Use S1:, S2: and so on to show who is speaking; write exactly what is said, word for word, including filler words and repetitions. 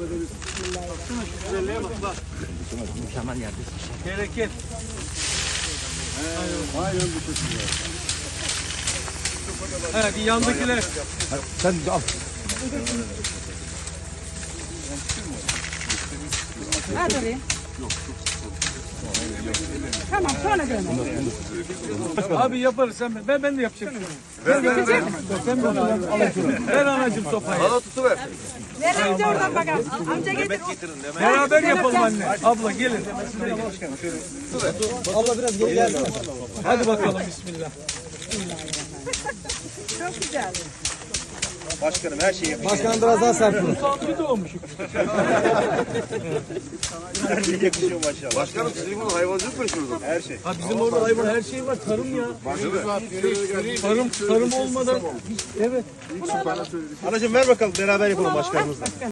S1: ederiz. Baksana şu güzelliğe bak bak.
S2: Mükemmel yerde.
S1: Bereket.
S3: Aynen bu şekilde.
S1: Hadi yandakiler.
S2: Sen al.
S4: Hadi oraya. Tamam sonra dönelim.
S1: Abi yaparız sen ben ben de yapacağım. Ver ver ver. Sen de al. Ver anacığım sopayı.
S3: Bana tutuver.
S4: Ver amca oradan bakalım. Amca getir.
S1: Beraber yapalım anne. Abla gelin.
S2: Abla biraz geri gel.
S1: Hadi bakalım bismillah.
S4: Çok güzel.
S3: Başkanım her şeyi yapıyor.
S2: Başkanım biraz daha sert vurun.
S1: Bir de olmuş.
S3: Yakışıyor maşallah. Başkanım sizin bu hayvancılık mı şurada? Her şey.
S1: Ha bizim orada hayvan her şey var. Tarım ya. Tarım tarım olmadan evet.
S3: Anacığım ver bakalım beraber yapalım başkanımızla.